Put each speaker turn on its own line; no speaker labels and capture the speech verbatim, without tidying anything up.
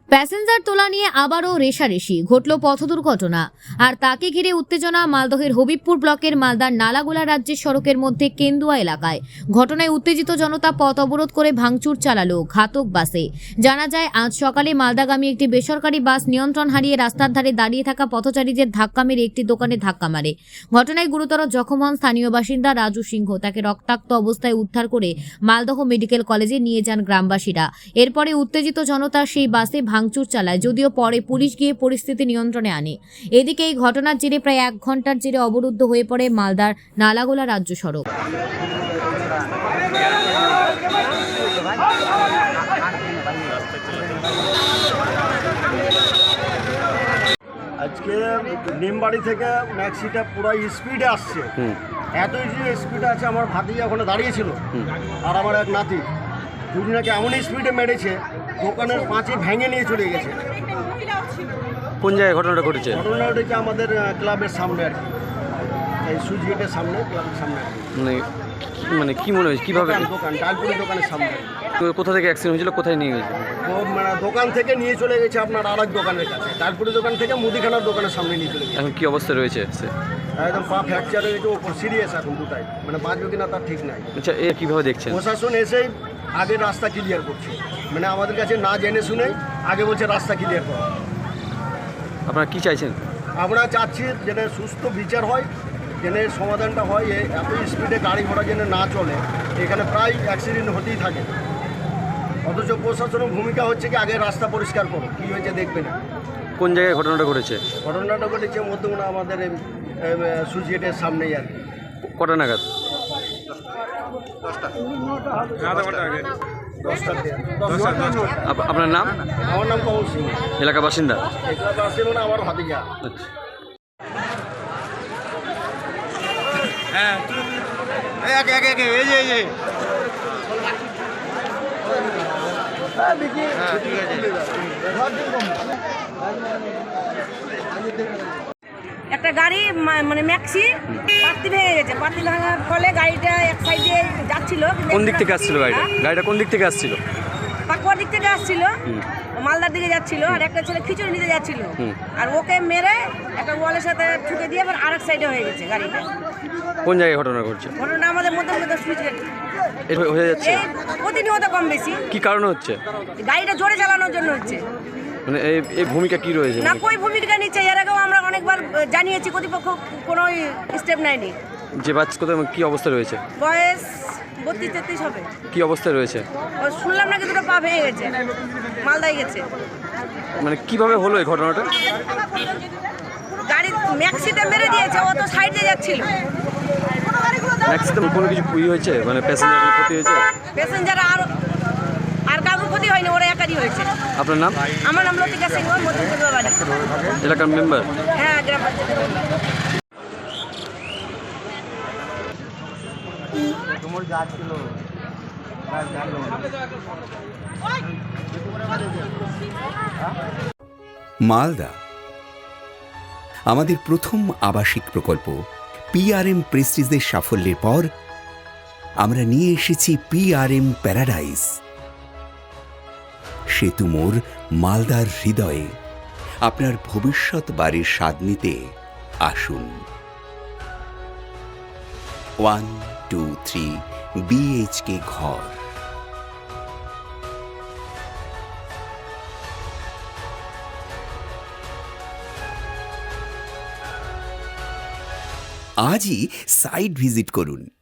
Passenger তোলা নিয়ে আবারও রেষারেষি ঘটল পথ দুর্ঘটনা আর তাকে ঘিরে উত্তেজনা মালদহের হবিবপুর ব্লকের মালদার নালাগোলা রাজ্যের সড়কের মধ্যে কেন্দুয়া এলাকায়। ঘটনায় উত্তেজিত জনতা পথ অবরোধ করে ভাঙচুর চালালো ঘাতক বাসে। জানা যায় আজ সকালে মালদাগামী একটি বেসরকারি বাস নিয়ন্ত্রণ হারিয়ে রাস্তার ধারে দাঁড়িয়ে থাকা পথচারীদের ধাক্কা মেরে একটি দোকানে ধাক্কা মারে। ঘটনায় গুরুতর জখম হন স্থানীয় বাসিন্দা রাজু সিংহ। তাকে রক্তাক্ত অবস্থায় উদ্ধার করে মালদহ মেডিকেল কলেজে নিয়ে যান গ্রামবাসীরা। এরপরে উত্তেজিত জনতা সেই বাসে ভাঙচুর চালায়, যদিও পরে পুলিশ গিয়ে পরিস্থিতি নিয়ন্ত্রণে আনে। এদিকে এই ঘটনার জেরে প্রায় এক ঘন্টার জেরে অবরুদ্ধ হয়ে পড়ে মালদার নালাগোলা রাজ্য সড়ক।
আজকে নিমবাড়ি থেকে ম্যাক্সিটা পুরো স্পিডে আসছে, এত স্পিডে আছে। আমার ভাতিজা ওখানে দাঁড়িয়েছিল আর আমার এক নাতি, দুজনাকে এমন স্পিডে মেরেছে দোকানের পাঁচে ভেঙে নিয়ে চলে গেছে।
কোন জায়গায় ঘটনাটা ঘটেছে?
ঘটনা ঘটেছে আমাদের ক্লাবের সামনে আর কি, এই সুইচ গেটের সামনে, ক্লাবের সামনে।
মানে মানে কি মনে হয়েছে, কীভাবে?
দোকান ডালপুরি দোকানের সামনে।
তো কোথা থেকে অ্যাক্সিডেন্ট হয়েছিল, কোথায় নিয়ে গেছে?
ও মানে দোকান থেকে নিয়ে চলে গেছে আপনার আর এক দোকানের কাছে, ডালপুরি দোকান থেকে মুদিখানার দোকানের সামনে নিয়ে চলে গেছে।
এখন কি অবস্থা রয়েছে সে?
একদম পা ফ্র্যাকচার হয়ে গেছে, ওপর সিরিয়াস এখন দুটাই, মানে বাঁচবে কিনা তার ঠিক নাই।
আচ্ছা, এ কীভাবে দেখছেন?
প্রশাসন এসেই আগে রাস্তা ক্লিয়ার করছে, মানে আমাদের কাছে না জেনে শুনে আগে বলছে রাস্তা ক্লিয়ার করো।
আপনারা কি চাইছেন?
আমরা চাচ্ছি যেন সুস্থ বিচার হয়, যেন সমাধানটা হয়। এত স্পিডে গাড়ি ঘোড়া যেন না চলে, এখানে প্রায় অ্যাক্সিডেন্ট হতেই থাকে। অথচ প্রশাসনের ভূমিকা হচ্ছে কি আগে রাস্তা পরিষ্কার করো, কী হয়েছে দেখবে না।
কোন জায়গায় ঘটনাটা ঘটেছে?
ঘটনাটা ঘটেছে মধ্যমনা আমাদের সুইচ গেটের সামনেই আর কি।
কটা নাগাদ? আপ- আপনার নাম?
আমার নাম কমল সিং,
এলাকা বাসিন্দা।
এগুলো আসছিল না আমার ভাতিজা।
আচ্ছা,
হ্যাঁ এক এক এক এই যে এই যে হ্যাঁ দেখি হ্যাঁ ঠিক আছে।
একটা গাড়ি মা- মানে ম্যাক্সি পাত্তি ভেঙে গেছে। পাত্তি ভাঙার ফলে গাড়িটা এক সাইডে যাচ্ছিল। কিন্তু
কোন দিক
একটা
থেকে আসছিল গাড়িটা?
হ্যাঁ,
গাড়িটা কোন দিক থেকে আসছিল?
পাকুয়ার দিক থেকে আসছিল,
হুম।
মালদার দিকে যাচ্ছিল, আর একটা ছেলে খিচুড়ি নিতে যাচ্ছিল।
হুম।
আর ওকে মেরে একটা ওয়ালের সাথে ঠুকে দিয়ে আবার আরেক সাইডে হয়ে গেছে গাড়িটা।
কোন জায়গায় ঘটনা ঘটছে?
ঘটনা আমাদের মধ্যে মধ্যে সুইচ গেট।
এটা হয়ে যাচ্ছে
এই প্রতিনিয়ত কম বেশি
কি কারণে হচ্ছে?
গাড়িটা জোরে চালানোর জন্য হচ্ছে।
মানে এই এই ভূমিকা কি রয়েছে?
না কই ভূমিকা নিচ্ছে, এর আগেও আমরা অনেকবার জানিয়েছি, কর্তৃপক্ষ কোনো স্টেপ নেয়নি।
যে বাচ্চা কোথায় কি অবস্থা রয়েছে?
বয়স বত্রিশ তেত্রিশ হবে।
কি অবস্থায় রয়েছে?
ও শুনলাম নাকি দুটো পা ভেঙে গেছে, মালদায় গেছে।
মানে কিভাবে হলো এই ঘটনাটা?
গাড়ি ম্যাক্সিতে মেরে দিয়েছে, ও তো সাইড দিয়ে যাচ্ছিল।
ম্যাক্সিমাম কোনো কিছু ক্ষতি হয়েছে, মানে প্যাসেঞ্জার ক্ষতি হয়েছে?
প্যাসেঞ্জার আর আর কারোর ক্ষতি হয়নি, ওরা একারই হয়েছে।
আপনার নাম?
আমার নাম লতিকা সিংহ, মধ্যপুর বাড়ি।
এলাকার মেম্বার?
হ্যাঁ, গ্রাম পঞ্চায়েত।
মালদা আমাদের প্রথম আবাসিক প্রকল্প। পিআরএম প্রেস্টিজের সাফল্যের পর আমরা নিয়ে এসেছি পিআরএম প্যারাডাইস। সেতু মোড় মালদার হৃদয়ে। আপনার ভবিষ্যৎ বাড়ির স্বাদ নিতে আসুন। ওয়ান টু থ্রি বিএইচকে ঘর। আজই সাইট ভিজিট করুন।